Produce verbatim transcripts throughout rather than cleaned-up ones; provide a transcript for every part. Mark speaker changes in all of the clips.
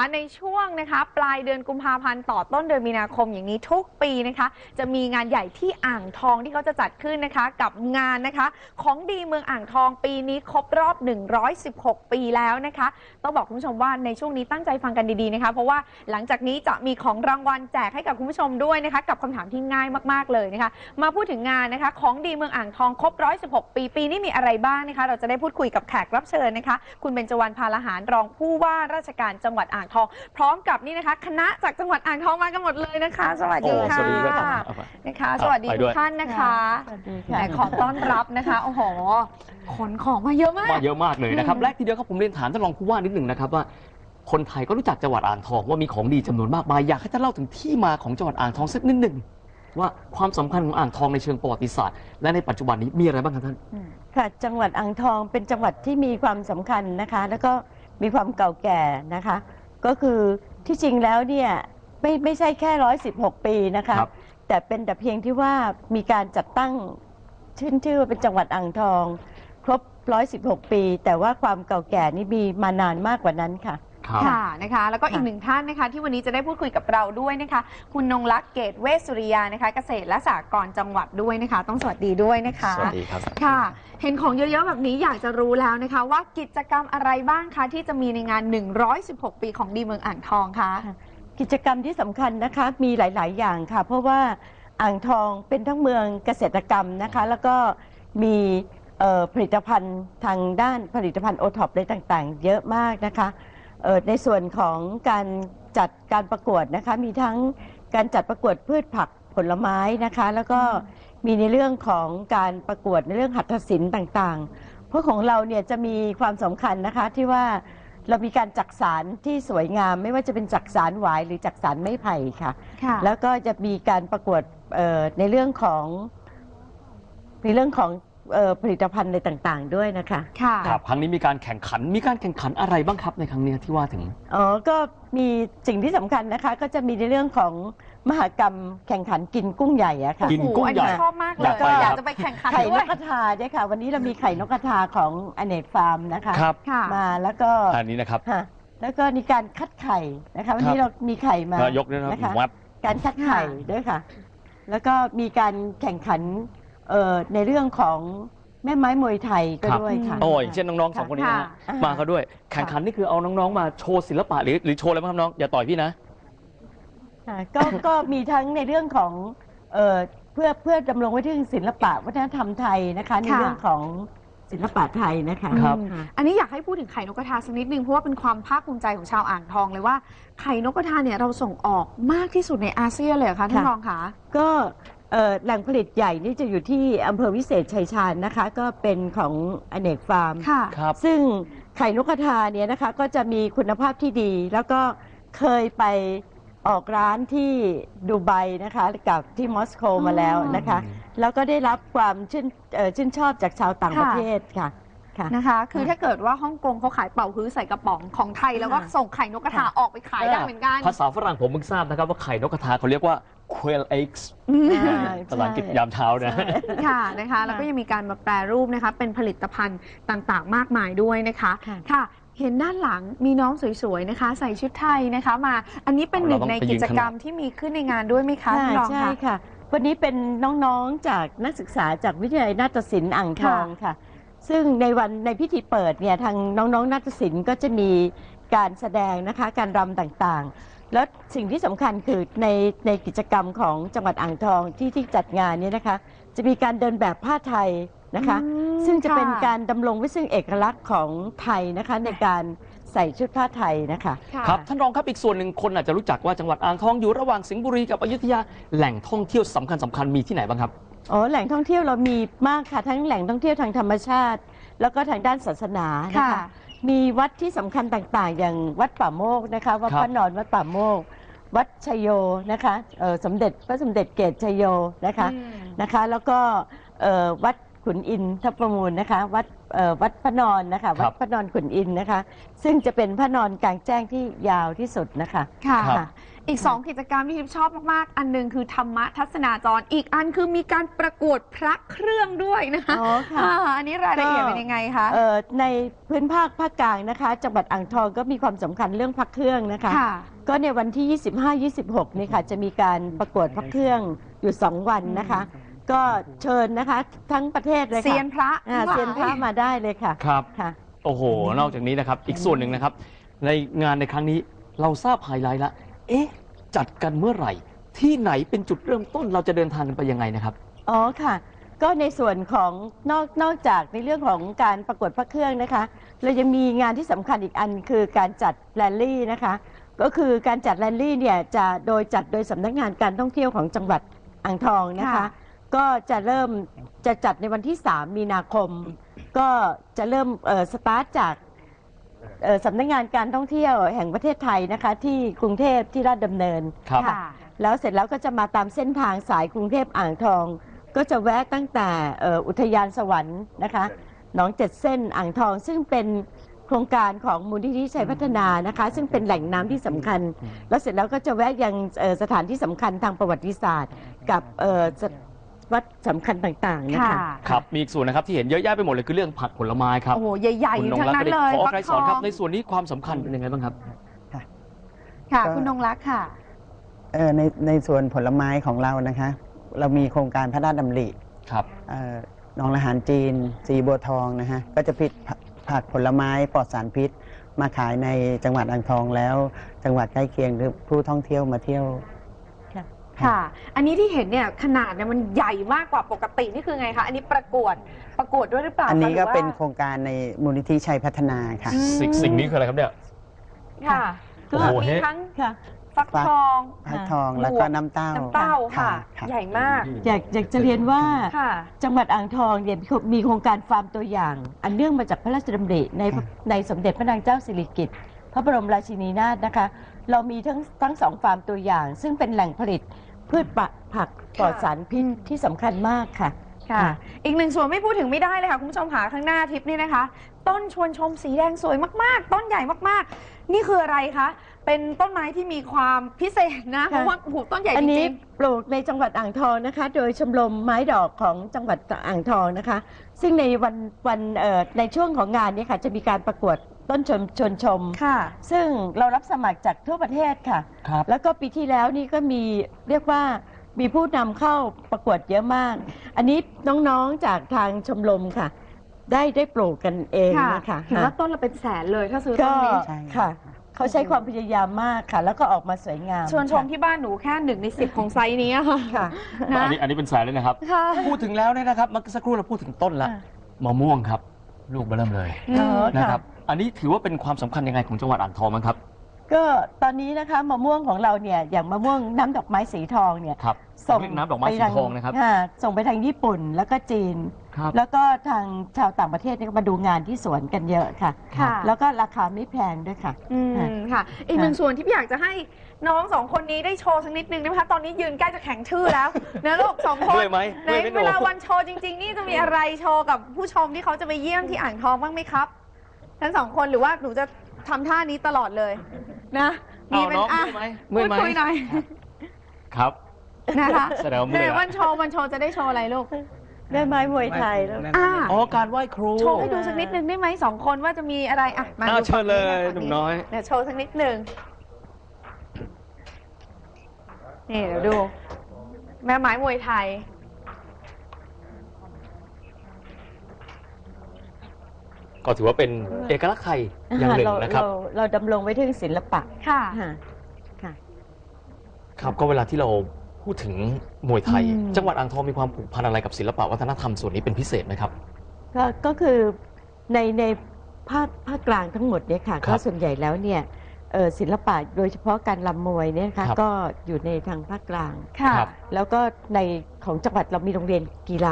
Speaker 1: ในช่วงนะคะปลายเดือนกุมภาพันธ์ต่อต้นเดือนมีนาคมอย่างนี้ทุกปีนะคะจะมีงานใหญ่ที่อ่างทองที่เขาจะจัดขึ้นนะคะกับงานนะคะของดีเมืองอ่างทองปีนี้ครบรอบหนึ่งร้อยสิบหกปีแล้วนะคะต้องบอกคุณผู้ชมว่าในช่วงนี้ตั้งใจฟังกันดีๆนะคะเพราะว่าหลังจากนี้จะมีของรางวัลแจกให้กับคุณผู้ชมด้วยนะคะกับคำถามที่ง่ายมากๆเลยนะคะมาพูดถึงงานนะคะของดีเมืองอ่างทองครบหนึ่งร้อยสิบหกปีปีนี้มีอะไรบ้างนะคะเราจะได้พูดคุยกับแขกรับเชิญนะคะคุณเบญจวรรณ พาลหารรองผู้ว่าราชการจังหวัดอ่างทองพร้อมกับนี่นะคะคณะจากจังหวัดอ่างทองมากันหมดเลยนะคะสวัสดีค่ะนะคะสวัสดีทุกท่านนะคะแต่ขอต้อนรับนะคะโอ้โหขนของมาเยอะมาก
Speaker 2: มาเยอะมากเลยนะครับแรกทีเดียวครับผมเรียนถามท่านรองผู้ว่านิดหนึ่งนะครับว่าคนไทยก็รู้จักจังหวัดอ่างทองว่ามีของดีจำนวนมากมายอยากให้ท่านเล่าถึงที่มาของจังหวัดอ่างทองสักนิดหนึ่งว่าความสำคัญของอ่างทองในเชิงประวัติศาสตร์และในปัจจุบันนี้มีอะไรบ้างครับท่าน
Speaker 3: ค่ะจังหวัดอ่างทองเป็นจังหวัดที่มีความสำคัญนะคะแล้วก็มีความเก่าแก่นะคะก็คือที่จริงแล้วเนี่ยไม่ไม่ใช่แค่ร้อยสิบหกปีนะคะแต่เป็นแต่เพียงที่ว่ามีการจัดตั้งชื่นชื่อว่าเป็นจังหวัดอ่างทองครบร้อยสิบหกปีแต่ว่าความเก่าแก่นี่มีมานานมากกว่านั้นค่ะ
Speaker 1: ค่ะนะคะแล้วก็อีกหนึ่งท่านนะคะที่วันนี้จะได้พูดคุยกับเราด้วยนะคะคุณนงลักษณ์เกตเวชสุริยานะคะเกษตรและสหกรณ์จังหวัดด้วยนะคะต้องสวัสดีด้วยนะคะ
Speaker 2: สวัสดีครับ
Speaker 1: ค่ะเห็นของเยอะๆแบบนี้อยากจะรู้แล้วนะคะว่ากิจกรรมอะไรบ้างคะที่จะมีในงานหนึ่งร้อยสิบหกปีของดีเมืองอ่างทองคะ
Speaker 3: กิจกรรมที่สำคัญนะคะมีหลายๆอย่างค่ะเพราะว่าอ่างทองเป็นทั้งเมืองเกษตรกรรมนะคะแล้วก็มีผลิตภัณฑ์ทางด้านผลิตภัณฑ์โอท็อปอะไรต่างๆเยอะมากนะคะในส่วนของการจัดการประกวดนะคะมีทั้งการจัดประกวดพืชผักผลไม้นะคะแล้วก็มีในเรื่องของการประกวดในเรื่องหัตถศิลป์ต่างๆเพราะของเราเนี่ยจะมีความสำคัญนะคะที่ว่าเรามีการจักสานที่สวยงามไม่ว่าจะเป็นจักสานหวายหรือจักสานไม้ไผ่ค่ะแล้วก็จะมีการประกวดในเรื่องของในเรื่องของผลิตภัณฑ์อะไรต่างๆด้วยนะคะ
Speaker 2: ครับครั้งนี้มีการแข่งขันมีการแข่งขันอะไรบ้างครับในครั้งนี้ที่ว่าถึง
Speaker 3: อ๋อก็มีสิ่งที่สำคัญนะคะก็จะมีในเรื่องของมหกรรมแข่งขันกินกุ้งใหญ่อะค่ะ
Speaker 2: กินกุ้งใหญ่
Speaker 1: ชอบมากเลยอยากจะไปแข่งขัน
Speaker 3: ไข่นกกระทาด้วยค่ะวันนี้เรามีไข่นกกระทาของอเนกฟาร์มนะคะมาแล้วก็
Speaker 2: อันนี้นะครับ
Speaker 3: แล้วก็มีการคัดไข่นะคะวันนี้เรามีไข่มาย
Speaker 2: กด้วยนะคะ
Speaker 3: การคัดไข่ด้วยค่ะแล้วก็มีการแข่งขันในเรื่องของแม่ไม้มวยไทยก็ด้วยค่ะ
Speaker 2: โอ้ยเช่นน้องๆสองคนนี้มาเขาด้วยแข่งขันนี่คือเอาน้องๆมาโชว์ศิลปะหรือหรือโชว์อะไรบ้างครับน้องอย่าต่อยพี่นะ
Speaker 3: ก็ก็มีทั้งในเรื่องของเพื่อเพื่อดำรงไว้ถึงศิลปะวัฒนธรรมไทยนะคะในเรื่องของศิลปะไทยนะคะ
Speaker 1: ครับอันนี้อยากให้พูดถึงไข่นกกระทาสักนิดนึงเพราะว่าเป็นความภาคภูมิใจของชาวอ่างทองเลยว่าไข่นกกระทาเนี่ยเราส่งออกมากที่สุดในอาเซียนเลยค่ะท่านรองคะ
Speaker 3: ก็แหล่งผลิตใหญ่นี่จะอยู่ที่อำเภอวิเศษชัยชาญนะคะก็เป็นของอเนกฟาร์มซึ่งไข่นกกระทาเนี่ยนะคะก็จะมีคุณภาพที่ดีแล้วก็เคยไปออกร้านที่ดูไบนะคะกับที่มอสโกมาแล้วนะคะแล้วก็ได้รับความชื่นชื่นชอบจากชาวต่างประเทศค่ะ
Speaker 1: นะคะคือถ้าเกิดว่าฮ่องกงเขาขายเป่าฮื้อใส่กระป๋องของไทยแล้วก็ส่งไข่นกกระทาออกไปขายได้เหมือนกัน
Speaker 2: ภาษาฝรั่งผมเพิ่งทราบนะครับว่าไข่นกกระทาเขาเรียกว่า quail eggs ภาษาอังกฤษยามเช้านะ
Speaker 1: ค่ะนะคะแล้วก็ยังมีการมาแปรรูปนะคะเป็นผลิตภัณฑ์ต่างๆมากมายด้วยนะคะค่ะเห็นด้านหลังมีน้องสวยๆนะคะใส่ชุดไทยนะคะมาอันนี้เป็นหนึ่งในกิจกรรมที่มีขึ้นในงานด้วยไหมคะ
Speaker 3: ใช่ค่ะวันนี้เป็นน้องๆจากนักศึกษาจากวิทยาลัยนาฏศิลป์อ่างทองค่ะซึ่งในวันในพิธีเปิดเนี่ยทางน้องๆนาฏศิลป์ก็จะมีการแสดงนะคะการรำต่างๆแล้วสิ่งที่สำคัญคือในในกิจกรรมของจังหวัดอ่างทองที่ที่จัดงานนี้นะคะจะมีการเดินแบบผ้าไทยนะคะซึ่งจะเป็นการดำรงไว้ซึ่งเอกลักษณ์ของไทยนะคะในการใส่ชุดผ้าไทยนะคะ
Speaker 2: ครับท่านรองครับอีกส่วนหนึ่งคนอาจจะรู้จักว่าจังหวัดอ่างทองอยู่ระหว่างสิงห์บุรีกับอยุธยาแหล่งท่องเที่ยวสำคัญสำคัญมีที่ไหนบ้างครับ
Speaker 3: อ๋อแหล่งท่องเที่ยวเรามีมากค่ะทั้งแหล่งท่องเที่ยวทางธรรมชาติแล้วก็ทางด้านศาสนานะคะมีวัดที่สำคัญต่างๆอย่างวัดป่าโมกนะคะวัดพระนอนวัดป่าโมกวัดชัยโยนะคะสมเด็จพระสมเด็จเกศชัยโยนะคะนะคะแล้วก็วัดขุนอินทประมูลนะคะวัดเอ่อวัดพระนอนนะคะวัดพระนอนขุนอินนะคะซึ่งจะเป็นพระนอนกลางแจ้งที่ยาวที่สุดนะคะ
Speaker 1: ค่ะ
Speaker 2: ครับ
Speaker 1: อีกสองกิจกรรมที่ทิพย์ชอบมากๆ อันหนึงคือธรรมะทัศนาจรอีกอันคือมีการประกวดพระเครื่องด้วยนะคะ
Speaker 3: อ๋อค่ะ
Speaker 1: อ่าอันนี้รายละเอียดเป็นยังไงคะ
Speaker 3: เอ่อในพื้นภาคภาคกลางนะคะจังหวัดอ่างทองก็มีความสำคัญเรื่องพระเครื่องนะคะ
Speaker 1: ค่ะ
Speaker 3: ก็ในวันที่ ยี่สิบห้า ยี่สิบหก นี่ค่ะจะมีการประกวดพระเครื่องอยู่สองวันนะคะ ก็เชิญนะคะทั้งประเทศเลยค่ะ
Speaker 1: เซียนพระ
Speaker 3: อ่าเซียนพระมาได้เลยค่ะ
Speaker 2: ครับ
Speaker 3: ค่ะ
Speaker 2: โอ้โห นอกจากนี้นะครับ อีกส่วนหนึ่งนะครับ ในงานในครั้งนี้เราทราบไฮไลท์ละ เอ๊ะ จัดกันเมื่อไหร่ ที่ไหนเป็นจุดเริ่มต้นเราจะเดินทางกันไปยังไงนะครับ
Speaker 3: อ๋อค่ะ ก็ในส่วนของนอกนอกจากในเรื่องของการประกวดพระเครื่องนะคะ เรายังมีงานที่สำคัญอีกอันคือการจัดแรลลี่นะคะ ก็คือการจัดแรลลี่เนี่ยจะโดยจัดโดยสำนักงานการท่องเที่ยวของจังหวัดอ่างทองนะคะ
Speaker 1: ค่ะ
Speaker 3: ก็จะเริ่มจะจัดในวันที่ สาม มีนาคม ก็จะเริ่มเอ่อสตาร์ทจากเอ่อสำนักงานการท่องเที่ยวแห่งประเทศไทยนะคะ ที่กรุงเทพที่ราชดำเนิน
Speaker 2: ครับ
Speaker 1: ค่ะ
Speaker 3: แล้วเสร็จแล้วก็จะมาตามเส้นทางสายกรุงเทพอ่างทอง ก็จะแวะตั้งแต่เอ่ออุทยานสวรรค์นะคะหนองเจ็ดเส้นอ่างทอง ซึ่งเป็นโครงการของมูลนิธิชัยพัฒนานะคะ ซึ่งเป็นแหล่งน้ำที่สำคัญ แล้วเสร็จแล้วก็จะแวะยังเอ่อสถานที่สำคัญทางประวัติศาสตร์ กับเอ่อสวัดสำคัญต่างๆนะคะ
Speaker 1: ค่ะ
Speaker 2: ครับ มีอีกส่วนนะครับที่เห็นเยอะแยะไปหมดเลยคือเรื่องผักผลไม้ครับ
Speaker 1: โอ้โห ใหญ่ๆ
Speaker 2: คุณนง
Speaker 1: ทั้ง
Speaker 2: รัก
Speaker 1: นั้น
Speaker 2: ก็
Speaker 1: เล
Speaker 2: ได้
Speaker 1: ย
Speaker 2: ขอ
Speaker 1: ฟัก
Speaker 2: ใคร
Speaker 1: ท
Speaker 2: สอน
Speaker 1: อง
Speaker 2: ครับ ในส่วนนี้ความสำคัญเป็นยังไงบ้างครับ
Speaker 1: ค่ะ
Speaker 4: ก็
Speaker 1: คุณนงรักค่ะ
Speaker 4: เอ่อในในส่วนผลไม้ของเรานะคะ เรามีโครงการพระราชดำริ
Speaker 2: ครับ
Speaker 4: เอ่อหนองละหารจีน สีบัวทองนะฮะก็จะผลิตผักผักผลไม้ปลอดสารพิษ มาขายในจังหวัดอ่างทองแล้ว จังหวัดใกล้เคียงหรือผู้ท่องเที่ยวมาเที่ยว
Speaker 1: ค่ะ อันนี้ที่เห็นเนี่ยขนาดเนี่ยมันใหญ่มากกว่าปกตินี่คือไงคะ อันนี้ประกวดประกวดด้วยหรือเปล่า
Speaker 4: อันนี้
Speaker 1: คะห
Speaker 4: ก็
Speaker 1: รือว่า
Speaker 4: เป็นโครงการในมูลนิธิชัยพัฒนาค่ะ
Speaker 1: อืม
Speaker 2: สิ่งสิ่งนี้คืออะไรครับเนี่ย
Speaker 1: ค่ะ
Speaker 2: โอ้โห
Speaker 1: มี
Speaker 2: เฮ้
Speaker 1: ทั้ง
Speaker 3: ค่ะ
Speaker 1: ฟักทอง
Speaker 4: พักทองแล้วก็น้ำเต้า
Speaker 1: น้ำเต้าค่ะ
Speaker 4: ค่ะ
Speaker 1: ใหญ่มาก
Speaker 3: อยากอยากจะเรียนว่า
Speaker 1: ค่ะ
Speaker 3: จังหวัดอ่างทองเนี่ยมีโครงการฟาร์มตัวอย่าง อันเนื่องมาจากพระราชดำริใน
Speaker 4: ค่ะ
Speaker 3: ในสมเด็จพระนางเจ้าสิริกิติ์พระบรมราชินีนาถนะคะ เรามีทั้งทั้งสองฟาร์มตัวอย่าง ซึ่งเป็นแหล่งผลิตพืชผักปลอดสารพิษที่สำคัญมากค่ะ
Speaker 1: ค่ะ อีกหนึ่งส่วนไม่พูดถึงไม่ได้เลยค่ะ คุณผู้ชมค่ะข้างหน้าทิปนี่นะคะ ต้นชวนชมสีแดงสวยมากๆ ต้นใหญ่มากๆ นี่คืออะไรคะ เป็นต้นไม้ที่มีความพิเศษนะ เพราะว่าโอ้โหต้นใหญ่
Speaker 3: อั
Speaker 1: จ
Speaker 3: นนี้
Speaker 1: ริง
Speaker 3: ปลูกในจังหวัดอ่างทองนะคะ โดยชมรมไม้ดอกของจังหวัดอ่างทองนะคะ ซึ่งในวันวันเอ่อในช่วงของงานนี้ค่ะจะมีการประกวดต้นชมชวนชม
Speaker 1: ๆ ค่ะ
Speaker 3: ซึ่งเรารับสมัครจากทั่วประเทศค่ะ
Speaker 2: ครับ
Speaker 3: แล้วก็ปีที่แล้วนี่ก็มีเรียกว่ามีผู้นำเข้าประกวดเยอะมาก อันนี้น้องๆจากทางชมรมค่ะ ได้ได้ปลูกกันเอง
Speaker 1: ค่ะ
Speaker 3: นะคะ
Speaker 1: เห็นว่าต้นละเป็นแสนเลยถ้าซื้อต้
Speaker 3: ก็
Speaker 1: นนี้
Speaker 4: ใช่
Speaker 3: ค่ะ เขาใช้ความพยายามมากค่ะ แล้วก็ออกมาสวยงาม
Speaker 1: ชวนชมที่บ้านหนูแค่หนึ่งในสิบของไซส์นี้ค่ะ
Speaker 3: ค่ะ
Speaker 1: นะ
Speaker 2: อันนี้อันนี้เป็นแสนเลยนะครับ
Speaker 1: ค่ะ
Speaker 2: พูดถึงแล้วเนี่ยนะครับเมื่อสักครู่เราพูดถึงต้นละ
Speaker 3: ค่ะ
Speaker 2: มะม่วงครับ ลูกเบอเริ่มเลย
Speaker 1: อืม
Speaker 3: อ๋อ
Speaker 2: นะครับ อันนี้ถือว่าเป็นความสำคัญยังไงของจังหวัดอ่างทองบ้างครับ
Speaker 3: ก็ตอนนี้นะคะมะม่วงของเราเนี่ยอย่างมะม่วงน้ำดอกไม้สีทองเนี่ย
Speaker 2: ครับ
Speaker 3: ส่ง
Speaker 2: เรียกน้ำดอกไม้สี
Speaker 3: ป
Speaker 2: ทองนะครับ
Speaker 3: าส่งไปทางญี่ปุ่นแล้วก็จีน
Speaker 2: ครับ
Speaker 3: แล้วก็ทางชาวต่างประเทศเนี่ยก็มาดูงานที่สวนกันเยอะค่ะ
Speaker 1: ค่ะ
Speaker 3: แล้วก็ราคาไม่แพงด้วยค่ะ
Speaker 1: อืมค่ะ อีกหนึ่งส่วนที่อยากจะให้น้องสองคนนี้ได้โชว์สักนิดนึงนะคะตอนนี้ยืนใกล้จะแข็งชื่อแล้ว นะลูกสองคน
Speaker 2: เมื่อยไหม
Speaker 1: ไหน
Speaker 2: เมื่อยไหมหนู
Speaker 1: เวลาวันโชว์จริง ๆ นี่จะมีอะไรโชว์กับผู้ชมที่เขาจะไปเยี่ยมที่อ่างทองบ้างไหมครับทั้งสองคนหรือว่าหนูจะทำท่านี้ตลอดเลยนะมี
Speaker 2: เอา
Speaker 1: เป็น
Speaker 2: น้อง
Speaker 1: อ่ะ
Speaker 2: เมื่อยไหม
Speaker 1: พูดคุยหน่อย
Speaker 2: ครับ
Speaker 1: นะคะ
Speaker 2: แสดงว่าเมื่
Speaker 1: ใน
Speaker 2: อยละ
Speaker 1: วันโชว์วันโชว์จะได้โชว์อะไรลูก
Speaker 3: แม่ไม้มวยไทยแล้ว
Speaker 1: อ่า
Speaker 2: อ๋อ การไหว้ครู
Speaker 1: โชว์ให้ดูสักนิดนึงได้ไหมสองคนว่าจะมีอะไรอ่ะมา
Speaker 2: อ้าว
Speaker 1: ดู
Speaker 2: เชิญเลย
Speaker 1: ฝั่ง
Speaker 2: หนุ่มน้อย
Speaker 1: เดี๋ยวโชว์สักนิดนึงนี่เดี๋ยวดู แม่ไม้มวยไทย
Speaker 2: ก็ถือว่าเป็นเอกลักษณ์ไทยอย่างหนึ่งนะครับ
Speaker 3: เราเราดำรงไว้ถึงศิลปะ
Speaker 1: ค่ะ
Speaker 3: ค่ะค่ะ
Speaker 2: ครับก็เวลาที่เราพูดถึงมวยไทย
Speaker 3: อืม
Speaker 2: จังหวัดอ่างทองมีความผูกพันอะไรกับศิลปะวัฒนธรรมส่วนนี้เป็นพิเศษไหมครับ
Speaker 3: ก็ก็คือในในภาคภาคกลางทั้งหมดเนี่ยค่ะ
Speaker 2: ครั
Speaker 3: ก็
Speaker 2: บ
Speaker 3: ส่วนใหญ่แล้วเนี่ยเอ่อศิลปะโดยเฉพาะการลำมวยเนี่ยนะคะ
Speaker 2: ครับ
Speaker 3: ก็อยู่ในทางภาคกลาง
Speaker 1: ค่ะ
Speaker 2: ครับ
Speaker 3: แล้วก็ในของจังหวัดเรามีโรงเรียนกีฬา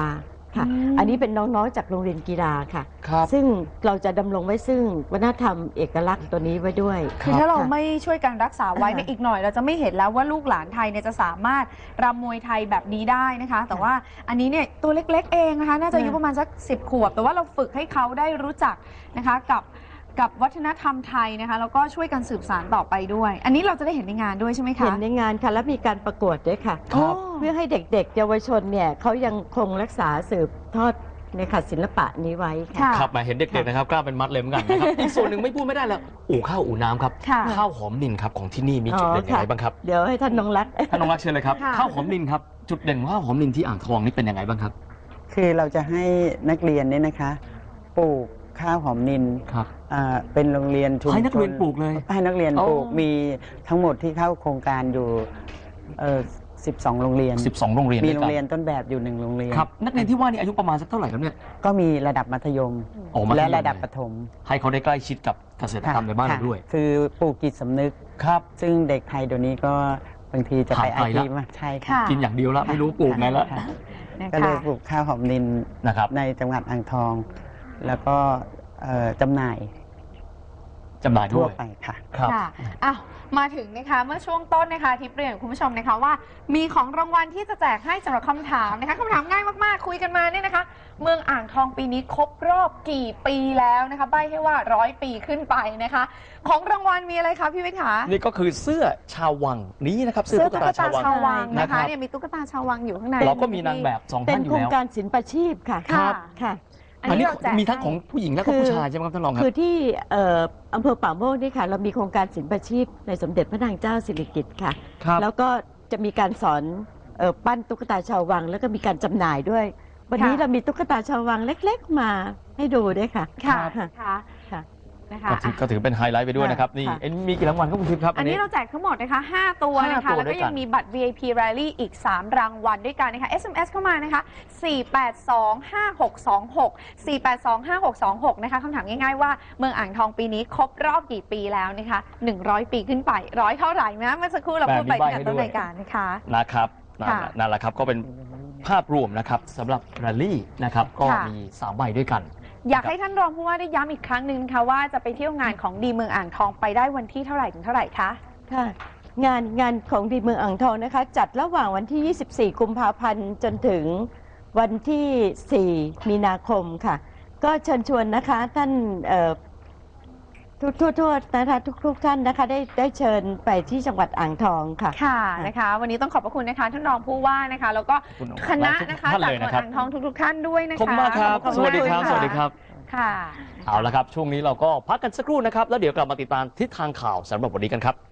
Speaker 3: ค่ะ
Speaker 1: อืม
Speaker 3: อันนี้เป็นน้องๆจากโรงเรียนกีฬาค่ะ
Speaker 2: ครับ
Speaker 3: ซึ่งเราจะดำรงไว้ซึ่งวัฒนธรรมเอกลักษณ์ตัวนี้ไว้ด้วย
Speaker 1: คือถ้าเรา
Speaker 3: ค่ะ
Speaker 1: ไม่ช่วยกันรักษาไว้
Speaker 3: อ่า
Speaker 1: ในยอีกหน่อยเราจะไม่เห็นแล้วว่าลูกหลานไทยเนี่ยจะสามารถรำมวยไทยแบบนี้ได้นะคะ แต่ว่าอันนี้เนี่ยตัวเล็กๆเองนะคะน่าจะอายุประมาณสักสิบขวบ แต่ว่าเราฝึกให้เขาได้รู้จักนะคะกับกับวัฒนธรรมไทยนะคะแล้วก็ช่วยกันสืบสานต่อไปด้วย อันนี้เราจะได้เห็นในงานด้วยใช่ไหมคะ
Speaker 3: เห็นในงานค่ะและมีการประกวดด้วยค่ะ
Speaker 2: ครับ
Speaker 3: เพื่อให้เด็กๆ เยาวชนเนี่ยเขายังคงรักษาสืบทอดในค่ะศิลปะนี้ไว้ค่ะ
Speaker 1: ค่ะ
Speaker 2: ครับมาเห็นเด็กๆนะครับกล้าเป็นมัดเลยเหมือนกันนะครับ อีกส่วนหนึ่งไม่พูดไม่ได้แล้วอู่ข้าวอู่น้ำครับ
Speaker 1: ค่ะ
Speaker 2: ข้าวหอมนินครับของที่นี่มีจุดเด่น
Speaker 3: อ๋อ
Speaker 2: ยัง
Speaker 3: ค่ะ
Speaker 2: ไงบ้างครับ
Speaker 3: เดี๋ยวให้ท่านน้องรัก
Speaker 2: ท่านน้องรักเชิญเลยครับ
Speaker 1: ค่ะ
Speaker 2: ข้าวหอมนินครับจุดเด่นของข้าวหอมนินที่อ่างทองนี่เป็นยังไงบ้างครับ
Speaker 4: คือเราจะให้นักเรียนเนี่ยนะคะปลูกข้าวหอมนิน
Speaker 2: ครับ
Speaker 4: อ่าเป็นโรงเรียนชุมชน
Speaker 2: ให้นักเรียนปลูกเลย
Speaker 4: ให้นักเรียน
Speaker 2: อ๋อ
Speaker 4: ปลูกมีทั้งหมดที่เข้าโครงการอยู่เอ่อสิบสองโรงเรียน
Speaker 2: สิบสองโรงเรียน
Speaker 4: มี
Speaker 2: ด้วย
Speaker 4: โร
Speaker 2: กั
Speaker 4: งเรียนต้นแบบอยู่หนึ่งโรงเรียน
Speaker 2: ครับนักเรียนที่ว่านี่อายุประมาณสักเท่าไหร่ครับเนี่ย
Speaker 4: ก็มีระดับมัธยม
Speaker 2: อ๋อมัธยม
Speaker 4: และระดับประถม
Speaker 2: ให้เขาได้ใกล้ชิดกับเกษตรกรรมในบ้านเราด้วย
Speaker 4: ค่ะคือปลูกจิตสำนึก
Speaker 2: ครับ
Speaker 4: ซึ่งเด็กไทยเดี๋ยวนี้ก็บางทีจะไป
Speaker 2: ขา
Speaker 4: ไอ
Speaker 2: ดไป
Speaker 4: ที
Speaker 2: ละ
Speaker 4: มากใช่
Speaker 1: ค่ะ
Speaker 4: ค่ะ
Speaker 2: กินอย่างเดียวละไม่รู้ปลูกไงละ
Speaker 4: ค่ะ
Speaker 1: นะ
Speaker 4: ก็เลย
Speaker 1: คะ
Speaker 4: ปลูกข้าวหอมนิน
Speaker 2: นะครับ
Speaker 4: ในจังหวัดอ่างทอง แล้วก็เอ่อจำหน่าย
Speaker 2: จำหน่ายด้
Speaker 4: ทั่
Speaker 2: ว
Speaker 4: วย ไปค่ะ
Speaker 2: ครับ
Speaker 1: ค่ะอ้าวมาถึงนะคะเมื่อช่วงต้นนะคะทิพย์เรียนกับคุณผู้ชมนะคะว่า มีของรางวัลที่จะแจกให้สำหรับคำถามนะคะคำถามง่ายมากๆคุยกันมาเนี่ยนะคะ เมืองอ่างทองปีนี้ครบรอบกี่ปีแล้วนะคะใบ้ให้ว่าร้อยปีขึ้นไปนะคะ ของรางวัลมีอะไรคะพี่วิทย์คะ
Speaker 2: นี่ก็คือเสื้อชาววังนี้นะครับ
Speaker 1: เสื้อตุ๊กตาชาววัง
Speaker 2: นะ
Speaker 1: นะ
Speaker 2: ครั
Speaker 1: คะ
Speaker 2: บ
Speaker 1: เนี่ยมีตุ๊กตาชาววังอยู่ข้างใน
Speaker 2: เราก็มีนางแบบสอง
Speaker 3: เป็
Speaker 2: ท่าน นอ
Speaker 3: โค
Speaker 2: ยู่
Speaker 3: รง
Speaker 2: แล้ว
Speaker 3: การศิลปาชีพค่ะ
Speaker 1: ค่ะ
Speaker 3: ค่ะ
Speaker 1: อัน
Speaker 2: อัน
Speaker 1: นี้
Speaker 2: นี้
Speaker 1: เราแจก
Speaker 2: มีทั้งของผู้หญิงและก็ผู้ชายใช่ไหมครับท่านรองครั
Speaker 3: คื
Speaker 2: บ
Speaker 3: อที่เอ่ออำเภอป่าโมกนี่ค่ะ เรามีโครงการศิลปาชีพในสมเด็จพระนางเจ้าสิริกิติ์ค่ะ
Speaker 2: ครับ
Speaker 3: แล้วก็จะมีการสอนเอ่อปั้นตุ๊กตาชาววัง แล้วก็มีการจำหน่ายด้วย วันนี้
Speaker 1: ค่ะ
Speaker 3: เรามีตุ๊กตาชาววังเล็กๆมาให้ดูด้วยค่ะ
Speaker 1: ค่ะ
Speaker 3: ค่ะ
Speaker 1: ค่ะ
Speaker 3: ค่ะ
Speaker 1: นะคะ
Speaker 2: ก็ถือก็ถือเป็นไฮไลท์ไปด้วยนะครับ นี่
Speaker 3: ค่ะ
Speaker 2: เอ็นมีกี่รางวัลครับคุณทิพย์ครับ
Speaker 1: อันนี้เราแจกทั้งหมดนะคะห้าตัวนะ
Speaker 2: ห้า
Speaker 1: คะ
Speaker 2: ตัว
Speaker 1: แล้ว
Speaker 2: ด้
Speaker 1: ก็
Speaker 2: วยกัน
Speaker 1: ยังมีบัตร วี ไอ พี Rally อีก สาม รางวัลด้วยกันนะคะ เอส เอ็ม เอส เข้ามานะคะ สี่ แปด สอง ห้า หก สอง หก สี่ แปด สอง ห้า หก สอง หก นะคะคำถามง่ายๆว่าเมืองอ่างทองปีนี้ครบรอบกี่ปีแล้วนะคะหนึ่งร้อยปีขึ้นไปร้อยเท่าไหร่นะเมื่อสักครู่เราพูดไปตั้งแต่ต้นรายการนะคะ
Speaker 2: นะครับนั่น
Speaker 1: ค่ะ
Speaker 2: แหละนั่นแหละครับก็เป็นภาพรวมนะครับสำหรับแรลลี่นะครับก็
Speaker 1: ค่ะ
Speaker 2: มีสามใบด้วยกัน
Speaker 1: อยากให้ท่านรองผู้ว่าได้ย้ำอีกครั้งหนึ่งนะคะว่าจะไปเที่ยวงานของดีเมืองอ่างทองไปได้วันที่เท่าไหร่ถึงเท่าไหร่คะ
Speaker 3: ค่ะงานงานของดีเมืองอ่างทองนะคะ จัดระหว่างวันที่ ยี่สิบสี่ กุมภาพันธ์ จนถึงวันที่ สี่ มีนาคมค่ะ ก็เชิญชวนนะคะท่านเอ่อทุกทั่วๆนะคะทุกๆท่านนะคะได้ได้เชิญไปที่จังหวัดอ่างทองค่ะ
Speaker 1: ค่ะนะคะ วันนี้ต้องขอบพระคุณนะคะท่านรองผู้ว่านะคะ แล้วก็
Speaker 2: ขอบคุณ
Speaker 1: คณะนะคะ
Speaker 2: ทุกท่าน
Speaker 1: จาก
Speaker 2: เลย
Speaker 1: จังหวัด
Speaker 2: นะครับ
Speaker 1: อ่างทองทุกๆท่านด้วยนะคะ
Speaker 2: ขอบคุณมากครับ
Speaker 1: ขอณ
Speaker 2: สวัสดีครับ
Speaker 1: มาก
Speaker 2: สวัสดีครับ
Speaker 1: ค่ะ
Speaker 2: เอาละครับ ช่วงนี้เราก็พักกันสักครู่นะครับ แล้วเดี๋ยวกลับมาติดตามทิศทางข่าวสำหรับวันนี้กันครับ